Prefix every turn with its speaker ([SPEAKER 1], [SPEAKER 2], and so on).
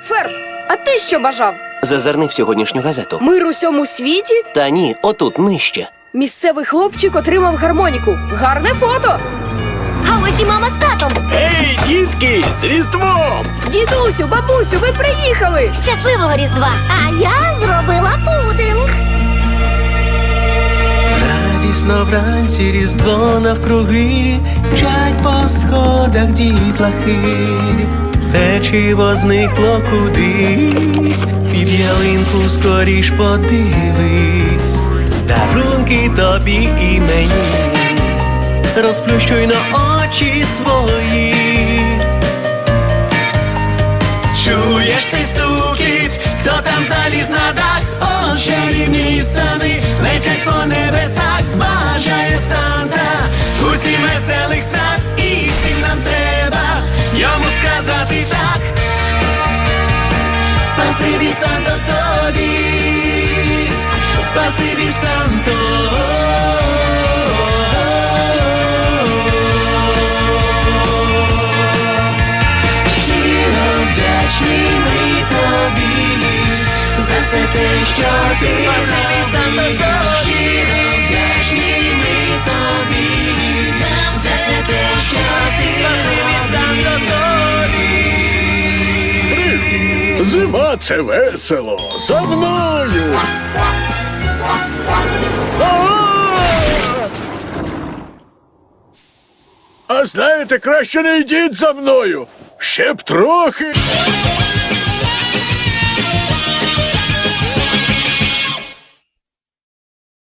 [SPEAKER 1] Ферб, а ти що бажав?
[SPEAKER 2] Зазирни в сьогоднішню газету.
[SPEAKER 1] Мир у всьому світі?
[SPEAKER 2] Та ні, отут нижче.
[SPEAKER 1] Місцевий хлопчик отримав гармоніку. Гарне фото!
[SPEAKER 3] А ось і мама з татом.
[SPEAKER 4] Ей, дітки, з Різдвом!
[SPEAKER 1] Дідусю, бабусю, ви приїхали!
[SPEAKER 3] Щасливого Різдва!
[SPEAKER 5] А я зробила пудинг.
[SPEAKER 6] Радісно вранці Різдво навкруги, мчать по сходах дітлахи. Печиво зникло кудись, під ялинку скоріш подивись. Дарунки тобі і мені, розплющуй на очі свої. Чуєш цей стукіт, хто там заліз на дах? О, чарівні сани летять по небесах, бажає Санта усім веселих свят, і всім нам треба йому сказати так. Спасибі, Санто, тобі, спасибі, Санто. Щиро вдячні ми тобі за все те, що ти спасибі, Санто, тобі. Щиро вдячні ми тобі за все те, що ти спасибі, Санто, тобі.
[SPEAKER 4] Зима — це весело! За мною! А знаєте, краще не йдіть за мною! Ще б трохи!